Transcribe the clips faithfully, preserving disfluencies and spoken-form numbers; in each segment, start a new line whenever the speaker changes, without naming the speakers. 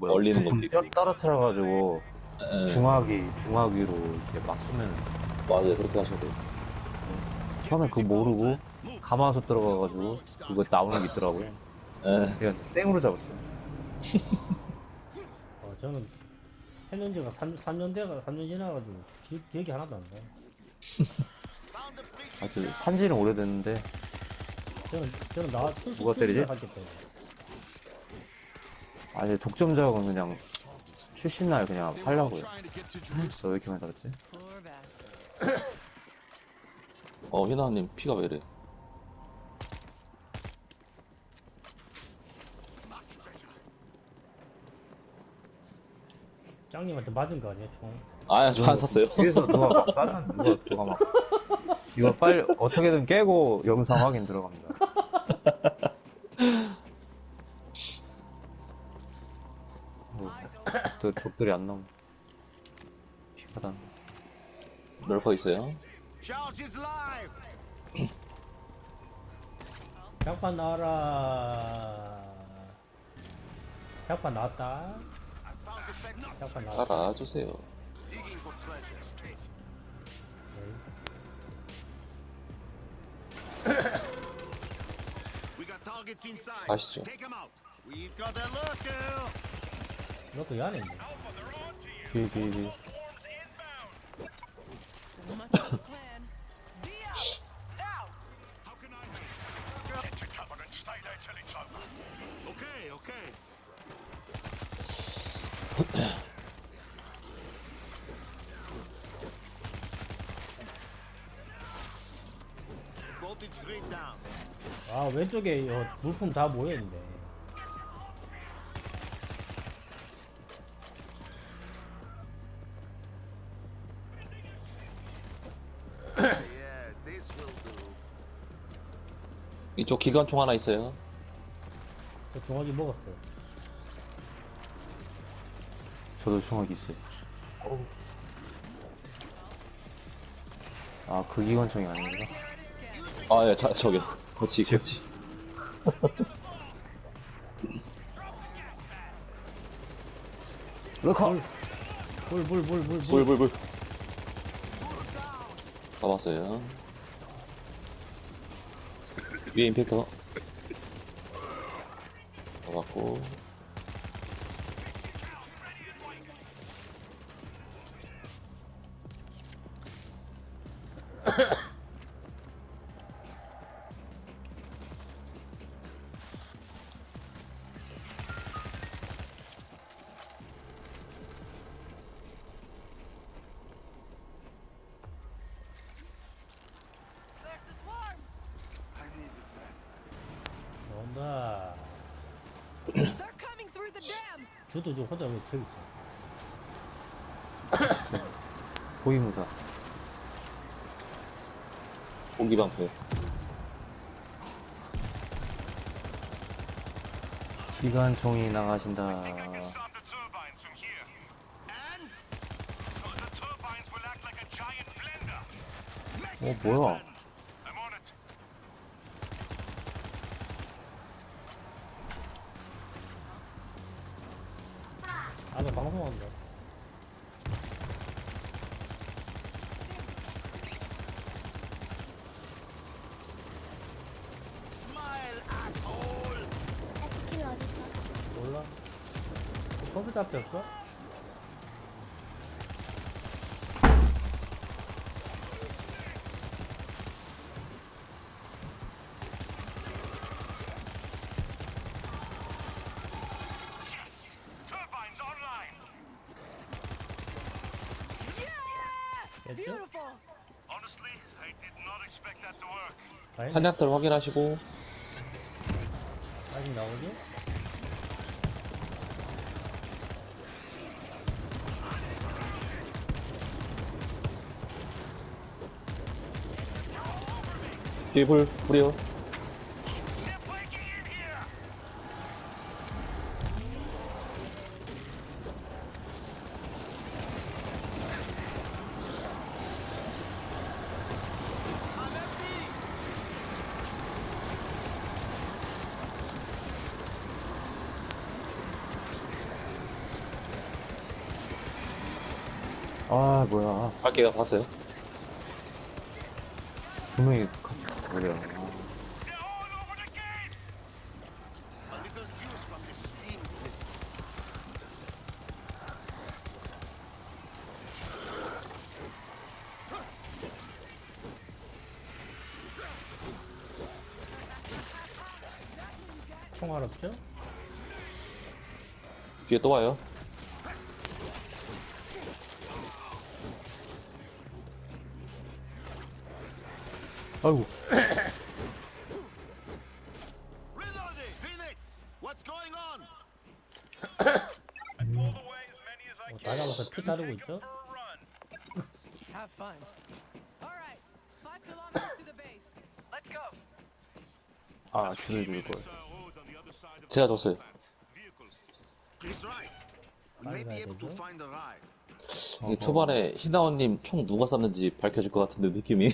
뭐야
얼리는
부품
것도
떠-
있고.
떨어뜨려가지고
예,
중화기 중화기로 이렇게 막 쏘면
맞아요. 그렇게 하셔야 돼요.
처음에 그거 모르고 가마솥 들어가가지고 그거 나오는 게 있더라고요.
예,
그냥 생으로 잡았어요.
어, 저는 했는 지가 삼, 삼 년 돼가, 삼 년 지나가지고 기, 기억이 하나도 안 나요.
아주 산지는 오래됐는데
저는, 저는 나 출시
누가 때리지?
출시를 하기 때문에.
아니 독점작은 그냥 출신 날 그냥 하려고요. 저 왜 이렇게 많이 달았지?
Poor bastard.
어, 희나님 피가 왜 이래?
짱님한테 맞은 거 아니야, 총?
아, 저 안 샀어요.
뒤에서 누가 막 쐈는 누가 누가 막 이거 빨리 어떻게든 깨고 영상 확인 들어갑니다. 뭐, 족들, 족들이 안 나오네. 피가 난.
럴커 있어요.
약반 나와라. 약반 나왔다. 약반 나왔다.
알아주세요. 가시죠.
너도 이 안에 있네.
뒤에 뒤에 뒤에.
So much for the plan. Be out! Now!
Okay, okay. Voltage grid down.
아, 왼쪽에 어, 물품 다 모여있는데.
Yeah, this will do.
이쪽 기관총 하나 있어요.
저 종아리 먹었어요.
저도 중학이 있어요. 아, 그 기관총이 아닌가?
아, 예, 자, 저기요. 그렇지, 그렇지.
럴커!
물, 물, 물, 물, 물.
불, 불, 불. 잡았어요. 위에 임팩터. 잡았고.
There's the swarm!
I needed that.
온다.
They're coming through the dam!
주도 좀 혼자 왜 저기 있어?
호위무사.
공기방패.
기관총이 나가신다.
Stop the turbines from here. And? So the turbines will act like a giant blender.
어, 뭐야?
I'm on it.
아, 너 방송한다.
Smile, asshole.
에스킨 어딨어?
몰라? 컴퓨터 앞에 없어?
Turbines online.
됐죠?
Beautiful!
Honestly, I did not expect that to work.
다행.
탄약들 확인하시고.
아직 나오지?
뒤에 불, 불이요.
They're breaking in here. I'm empty.
아, 뭐야.
갈게요. 봤어요.
두 명이 같이 가버려.
They're all over the gate! A little juice from this steam blizzard.
총알 없죠?
뒤에 또 와요.
아이고.
Reloading! Phoenix! What's going on?
어, 다 잡아서 피 따르고 있죠?
Have fun. All right, five kilometers to the base. Let's go.
아, 주술 줄 걸.
제가 줬어요.
He's right. We may be able to find a ride.
이게 초반에 희나원님 총 누가 쐈는지 밝혀질 것 같은데 느낌이.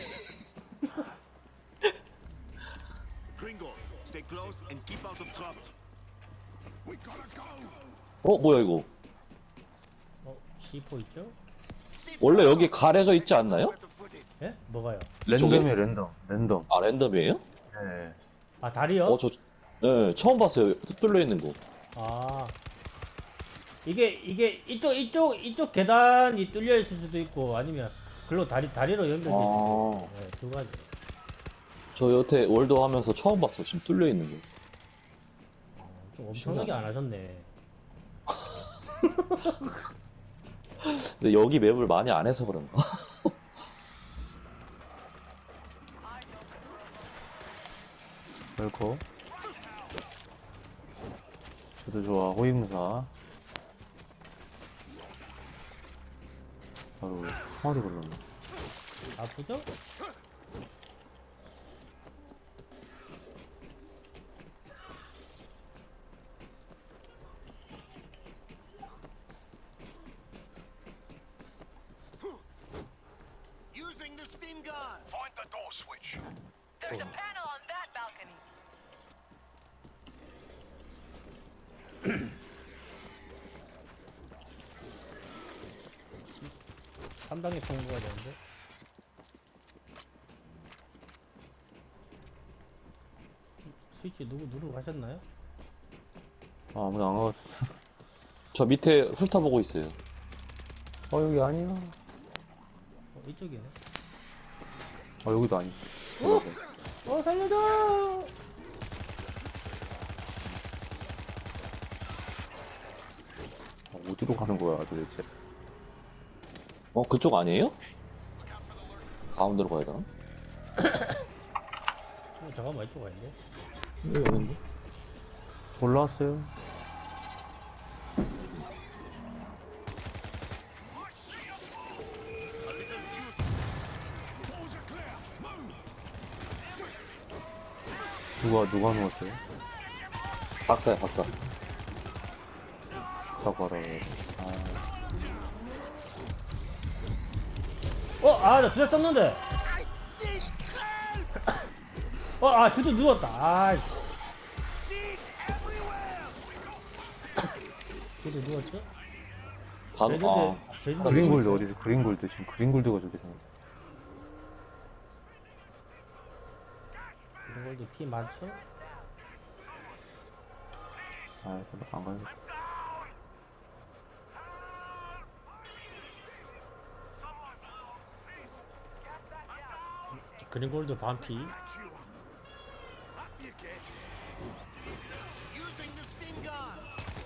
Gringo, stay close and keep out of trouble. We gotta go.
어 뭐야 이거?
어, 씨포 있죠?
원래 여기 가려져 있지 않나요?
예? 뭐가요?
랜덤이에요, 랜덤. 랜덤.
아 랜덤이에요?
네.
아, 다리요?
어 저 네, 처음 봤어요. 뚫려 있는 거.
아. 이게, 이게, 이쪽, 이쪽, 이쪽 계단이 뚫려 있을 수도 있고, 아니면, 글로 다리, 다리로 연결돼 있을 수도
아.
있고, 네, 두 가지.
저 여태 월드 하면서 처음 봤어. 지금 뚫려 있는 거.
좀 엄청나게 안 하셨네.
근데 여기 맵을 많이 안 해서 그런가?
웰코. 저도 좋아, 호위무사. 아유, 통화도 그러네.
아프죠?
Using the steam gun. Find the door switch.
There's a panel on that balcony.
삼 단계 통과가 되는데. 스위치 누구 누르고 가셨나요?
아, 아무도 안 가봤어.
저 밑에 훑어보고 있어요.
어, 여기 아니야.
어, 이쪽이네.
어, 여기도 아니.
어, 살려줘!
어, 어디로 가는 거야, 도대체.
어 그쪽 아니에요? 가운데로 가야 되나?
어, 잠깐만, 이쪽 아닌데?
왜 여긴데?
올라왔어요. 누가, 누가 누웠어요?
박사야 박사.
사과라. 아,
어, 아, 나 주제 썼는데! 어, 아, 주도 누웠다. 아, 주도 누웠죠?
반,
제주도,
아,
제주도
그린골드
누웠어요.
어디서 그린골드 지금 그린골드가 저기 있어.
그린골드 피 많죠?
아, 안 가요.
그린골드 반피.
Using the steam gun.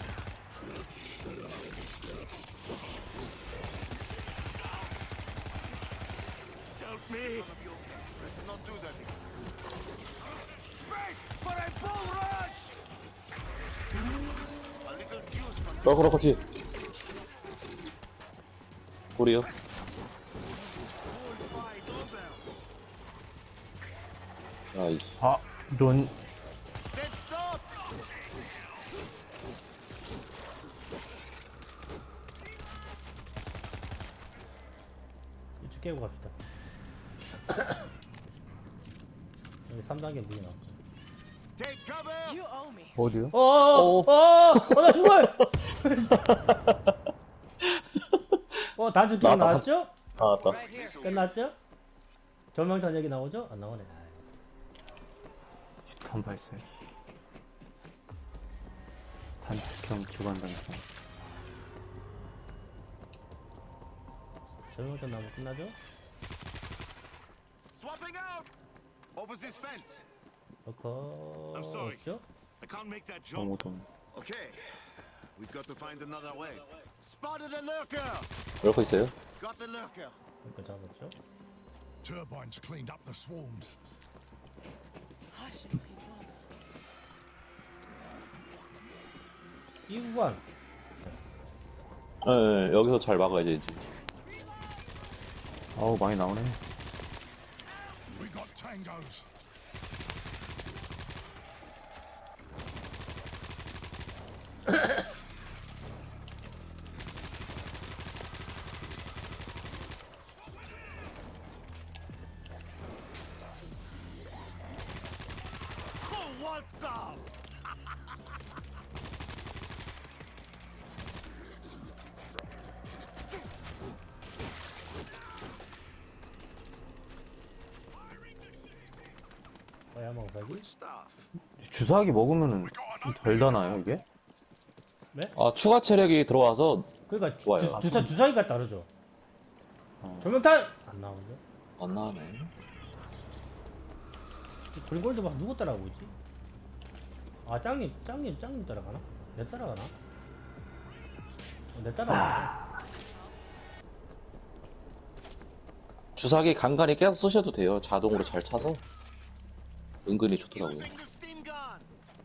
Help me. Let's not do that again. Break for a bull rush. A little juice from
썰그러 커티. 우리요.
bullfly doorbell.
아, 이,
아, 이런.
Then stop.
이쪽 깨고 갑시다. 여기 삼 단계 무기 나왔고.
Take cover.
You owe me.
어디요?
어, 어, 어, 어, 나 죽어요! 어, 단축키
나왔다.
나왔죠?
아, 맞다.
Right here.
끝났죠? 조명탄 얘기 나오죠? 안 나오네.
슈탄 발사. 단축형 기관 단총.
조명탄 나오면 끝나죠?
Swapping out! Over this fence.
넣고
I'm sorry.
없죠?
I can't make that jump.
너무동.
Okay. We've got to find another way. Spotted a lurker!
이렇게 있어요?
Got the lurker.
이거 잡았죠?
Turbines cleaned up the swarms.
Hush, people.
이 구간
예, 예, 여기서 잘 막아야지, 이제.
아우 많이 나오네.
We got tangos.
Who wants some?
뭐야 먹사기?
Stuff.
주사기 먹으면은 좀 덜 다나요 이게?
아, 추가 체력이 들어와서
그러니까 주,
좋아요.
주, 주사 주사기가 다르죠.
어.
조명탄 안 나오는데?
안 나오네.
그린골드 막 누구 따라가고 있지? 아 짱님 짱님 짱님 따라가나? 내 따라가나? 어, 내 따라가나?
주사기 간간히 계속 쓰셔도 돼요. 자동으로 잘 차서. 은근히 좋더라고요.
Using the steam gun.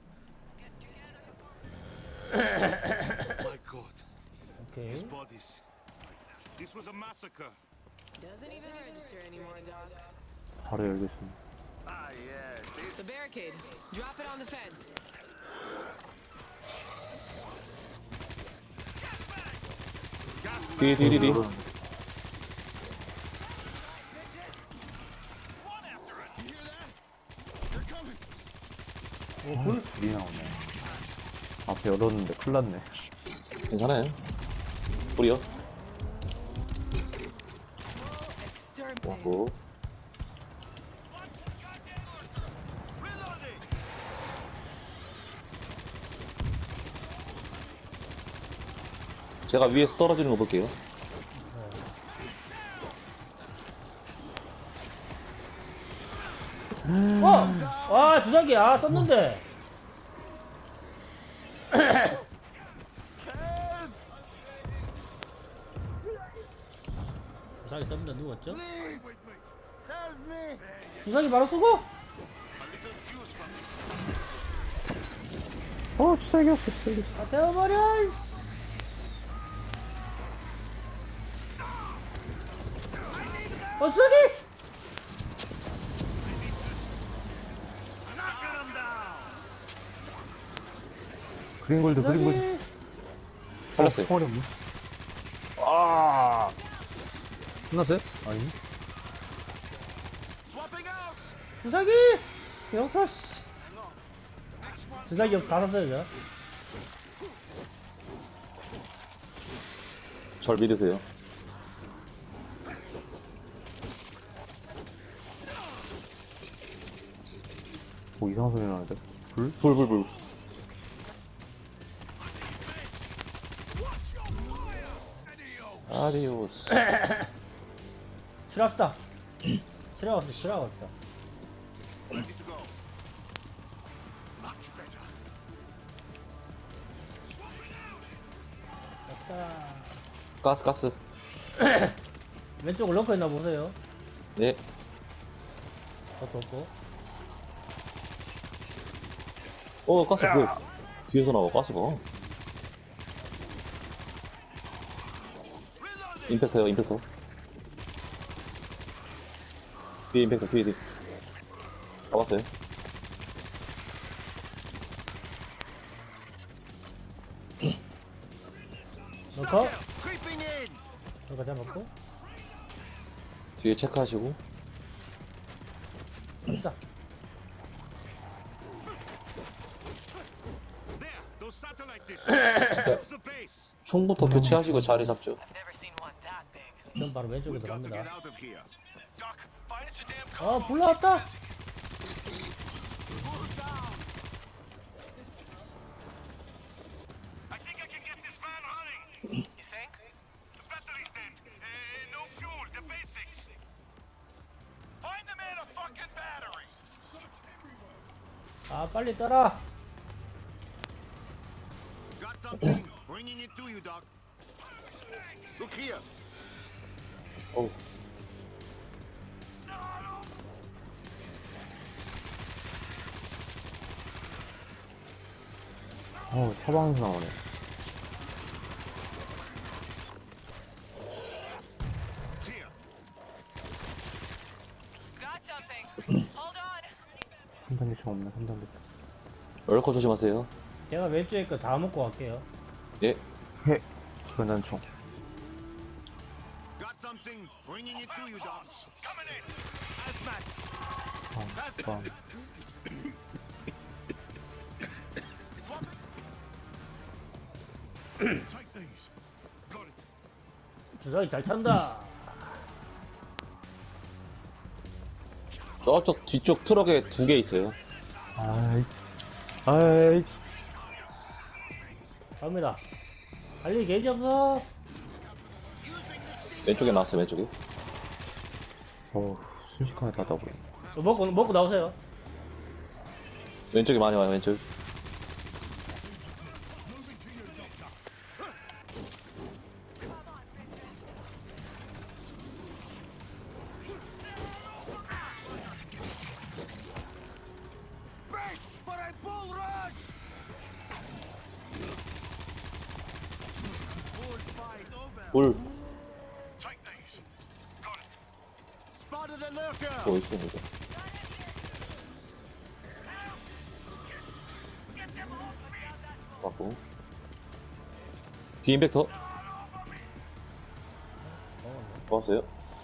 My God.
오케이.
These bodies. This was a massacre.
Doesn't even register anymore, Doc.
바로 열겠습니다.
Ah, yeah. This
The barricade. Drop it on the fence.
뒤에, 뒤에, 뒤에.
어, 둘이 나오네. 앞에 열었는데 큰일 났네.
괜찮아요. 뿌려.
Exterminate.
고
reloading.
제가 위에서 떨어지는 거 볼게요.
어! 와 주사기 아 썼는데. 주사기 썼는데 누웠죠? 주사기 바로 쓰고?
A little juice from this.
어 주사기 없어 주사기 없어.
아 태워버려! 어 주사기!
Knocking them down.
그린골드 그린골드.
주사기!
살렸어요.
총알이 없네. 아 끝났어요? 아니.
Swapping out.
주사기! 영서 씨. 주사기 없 다 썼어요
절 믿으세요.
뭐 이상한 소리 나는데? 불?
불, 불, 불. 아디오스.
저. 실합다. 실합 없어 실합 없다.
Ready to go.
Much better.
됐다.
가스, 가스.
왼쪽 럭커 있나 보세요.
네.
럭커 없고.
어, 가스, 그. 뒤에서 나와, 가스가.
Reloading.
임팩터요, 임팩터. 뒤에 임팩터, 뒤에, 뒤에. 잡았어요.
럭커?
Creeping in.
럭커 잡았고.
뒤에 체크하시고.
자.
There. Those satellite dishes. That's the base.
총부터 교체하시고 자리 잡죠.
Never seen one that big.
전 바로 왼쪽에
We've got to get
들어갑니다.
out of here.
Doc, find us a damn car.
아, 불 나왔다!
I think I can get this van running. You think? The battery's dead. Uh, no fuel, the basics. Find the man a fucking battery.
아, 빨리 떠라!
Got something? Bringing it to you, Doc. Look here.
어우.
어우, 사방에서 나오네.
Here.
Got something. Hold on.
삼 단계 총 없네, 삼 단계.
럴커 조심하세요.
제가 왼쪽에 거 다 먹고 갈게요.
예.
해. 기관단 총.
Got something? Bringing it to you, Doc.
Coming in.
아, 빵.
Take these. Got it.
주사기 잘 찬다!
저쪽 뒤쪽 트럭에 두 개 있어요.
아이. 아이.
갑니다. 달리 게이지 없어!
왼쪽에 나왔어요, 왼쪽에.
어우, 순식간에 다 더블.
또 먹고, 먹고 나오세요.
왼쪽에 많이 와요, 왼쪽. 볼
Take these. Got it.
Spotted a lurker.
뭐 있어, 이거. 맞고. 뒤 임팩터. 좋았어요.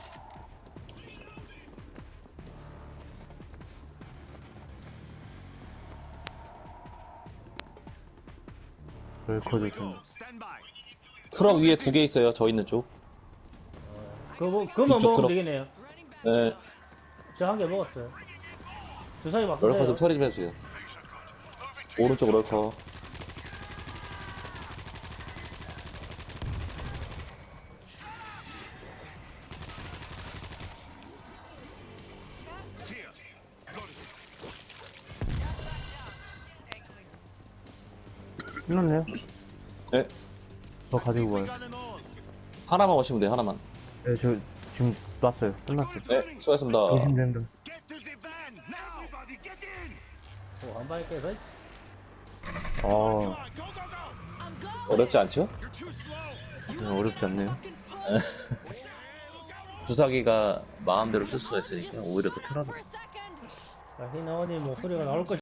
럴커
We
조심.
go. Stand by.
트럭 위에 두 개 있어요, 저 있는 쪽.
그거, 먹- 그거만
이쪽
먹으면
들어-
되겠네요.
네.
저 한 개 먹었어요. 주사기 막
럴커 좀
쓰세요.
처리 좀 해주세요. 오른쪽 럴커.
Here. Got it.
끝났네요.
네.
저 가지고 가요.
Got them all.
하나만 오시면 돼요, 하나만.
네, 저 지금 놨어요. 끝났어요.
네, 수고하셨습니다.
조심됩니다.
Get to the van now. Everybody, get in.
어, 한 방에 깨서.
아,
Go, go, go.
어렵지 않죠?
You're too slow.
네, 어렵지 않네요.
주사기가 마음대로 쓸 수가 있으니까 오히려 더 편하다.
For a second.
자, 희나원님 목소리가 나올 것